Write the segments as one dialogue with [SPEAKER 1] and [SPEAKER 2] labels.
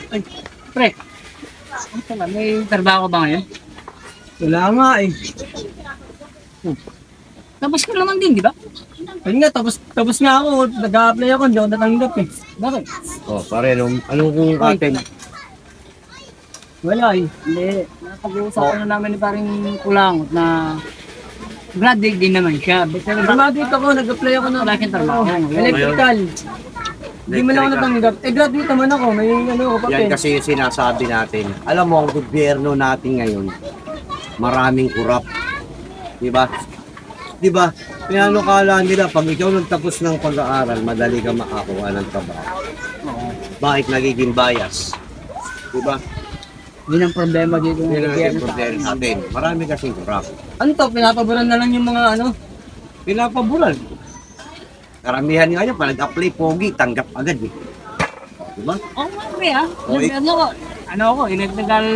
[SPEAKER 1] Ay, pre. Ano pala, may trabaho ba ngayon?
[SPEAKER 2] Wala nga eh.
[SPEAKER 1] Tapos ka naman din, di ba?
[SPEAKER 2] Ayun nga, tapos nga ako. Nag-a-apply ako, hindi ako natanggap eh.
[SPEAKER 1] Bakit?
[SPEAKER 3] Oh, pare, anong kung atin?
[SPEAKER 2] Wala eh.
[SPEAKER 1] Hindi. Napag-uusapan na namin ni paring Kulangot na graduate din naman siya. Pero
[SPEAKER 2] Graduate ako, nag-apply ako ng
[SPEAKER 1] wala siyang trabaho.
[SPEAKER 2] electrical. Hindi man ako natanggap. Eh, graduate naman ako. May ano ako pa
[SPEAKER 3] Yan kasi yung sinasabi natin. Alam mo, ang gobyerno natin ngayon, maraming kurap. Di ba? Di ba? Kaya ano kala nila, pag ikaw nagtapos ng pag-aaral, madali ka makakuha ng trabaho. Bakit nagiging bias? Di ba?
[SPEAKER 1] Yun ang problema dito. ng
[SPEAKER 3] Yun ang
[SPEAKER 1] gobyerno
[SPEAKER 3] naging
[SPEAKER 1] sa
[SPEAKER 3] problema
[SPEAKER 1] atin.
[SPEAKER 3] natin. Marami kasing kurap.
[SPEAKER 2] Ano to, pinapaboran na lang yung mga ano.
[SPEAKER 3] Pinapabulan. Karamihan nga yun, pag nag-apply pogi, tanggap agad eh. Di ba?
[SPEAKER 1] Oo nga, pre, ha?
[SPEAKER 3] Okay.
[SPEAKER 1] Ano ako, electrical,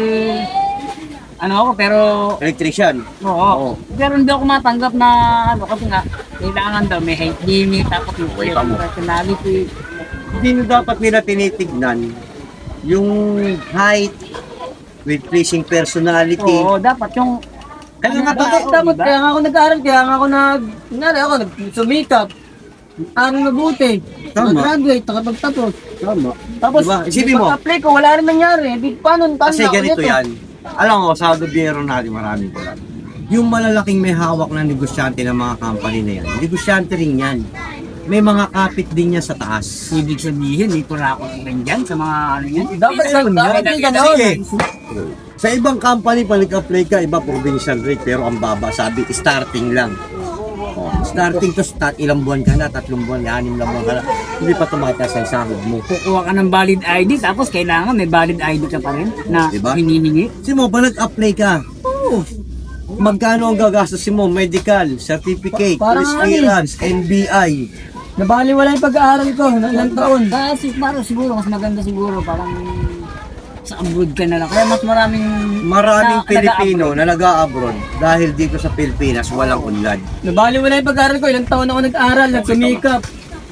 [SPEAKER 1] ano ako, pero,
[SPEAKER 3] Electrician.
[SPEAKER 1] oo.
[SPEAKER 3] Oo.
[SPEAKER 1] Pero hindi ako matanggap na, ano, kasi nga, kailangan daw, may height limit, tapos yung
[SPEAKER 3] Okay, tama.
[SPEAKER 1] personality.
[SPEAKER 3] Hindi na dapat nila tinitignan yung height with pleasing personality.
[SPEAKER 1] Oo, dapat yung,
[SPEAKER 3] Kaya nga
[SPEAKER 2] Dapat, kaya nga ako nag-aaral, kaya nga ako nagsumikap. Aral mabuti.
[SPEAKER 3] Tama.
[SPEAKER 2] Nag-graduate, nakapagtapos.
[SPEAKER 3] Tama.
[SPEAKER 2] Tapos,
[SPEAKER 3] Diba? Isipin mo.
[SPEAKER 2] pag-apply ko, wala rin nangyari. Di, paano
[SPEAKER 3] Kasi
[SPEAKER 2] na
[SPEAKER 3] ganito
[SPEAKER 2] ulit,
[SPEAKER 3] yan. Alam mo, sa gobyerno natin maraming kurap. Yung malalaking may hawak na negosyante ng mga company na yan, negosyante rin yan. May mga kapit din niya sa taas.
[SPEAKER 1] ibig sabihin, may kurako rin dyan sa mga, ano yan.
[SPEAKER 2] Dapat
[SPEAKER 3] Ayun,
[SPEAKER 2] dapat
[SPEAKER 3] yan.
[SPEAKER 2] yung gano'n.
[SPEAKER 3] Sige. Sa ibang company, pag nag-apply ka, iba provincial rate, pero ang baba, sabi, starting lang. Oh, starting to start, ilang buwan ka na, 3 buwan, 6 na buwan ka na, hindi pa tumataas ang sahod mo.
[SPEAKER 1] Kukuha ka ng valid ID, tapos kailangan may valid ID ka pa rin na
[SPEAKER 3] Diba?
[SPEAKER 1] hinihingi.
[SPEAKER 3] Kasi mo, pag nag-apply ka, magkano ang gagastusin mo? Medical, certificate,
[SPEAKER 2] Parang
[SPEAKER 3] police clearance, NBI.
[SPEAKER 2] Nabaliwala yung pag-aaral ko ng ilang taon.
[SPEAKER 1] Kasi parang siguro, mas maganda siguro, parang sa abroad ka na lang. Kaya mas maraming
[SPEAKER 3] Maraming
[SPEAKER 1] na-
[SPEAKER 3] Pilipino na nag-a-abroad dahil dito sa Pilipinas walang unlad.
[SPEAKER 2] Nabaliwala yung pag-aaral ko. Ilang taon ako nag-aaral, nagsumikap.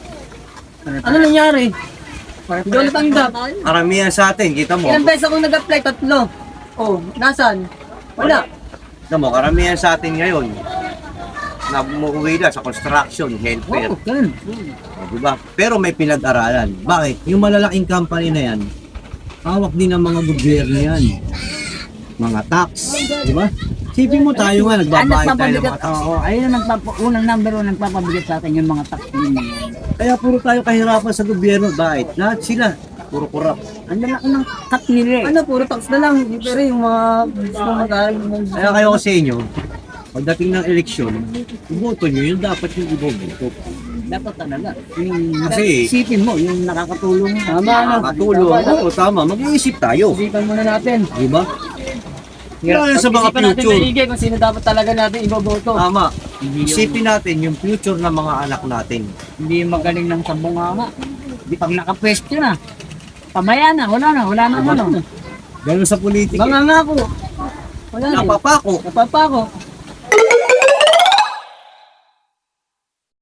[SPEAKER 2] Ano nangyari? Hindi ako natanggap.
[SPEAKER 3] Karamihan sa atin, kita mo.
[SPEAKER 2] Ilang beses ako nag-apply? 3. Oh, nasan? Wala.
[SPEAKER 3] Kita mo, karamihan sa atin ngayon, na umuwi na sa construction, healthcare.
[SPEAKER 1] Oo, ganun.
[SPEAKER 3] Diba? Pero may pinag-aralan. Bakit? Yung malalaking company na yan, hawak din ng mga gobyerno yan. Mga tax. Diba? Sipin mo tayo nga, nagbabayad tayo ng mga tax.
[SPEAKER 1] Oo, ayun ang unang number 1 nagpapabigat sa atin yung mga tax.
[SPEAKER 3] Kaya puro tayo kahirapan sa gobyerno. Bakit? Lahat sila. Puro kurap.
[SPEAKER 1] Ang lalaki ng cut nila eh.
[SPEAKER 2] Ano, puro tax na lang. Pero yung mga gusto mag-aaral.
[SPEAKER 3] Kaya kayo ko sa inyo, pagdating ng eleksyon, iboto nyo, yun dapat yung iboboto.
[SPEAKER 1] Dapat talaga. Yung,
[SPEAKER 3] Kasi-
[SPEAKER 1] isipin mo, yung nakakatulong.
[SPEAKER 2] Tama na.
[SPEAKER 3] Makatulong. Oo, tama. Mag-iisip tayo.
[SPEAKER 2] Isipan muna natin.
[SPEAKER 3] Diba? Lalo sa mga
[SPEAKER 2] Isipan natin
[SPEAKER 3] future.
[SPEAKER 2] maigi kung sino dapat talaga natin iboboto.
[SPEAKER 3] Tama. Isipin natin yung future ng mga anak natin.
[SPEAKER 1] Hindi magaling ng sabunganga. Pag nakapwesto na, pamaya na, wala na ano.
[SPEAKER 3] Ganun sa politika.
[SPEAKER 2] Mga nga ako. Wala na.
[SPEAKER 3] Napapako.
[SPEAKER 2] Napapa ako.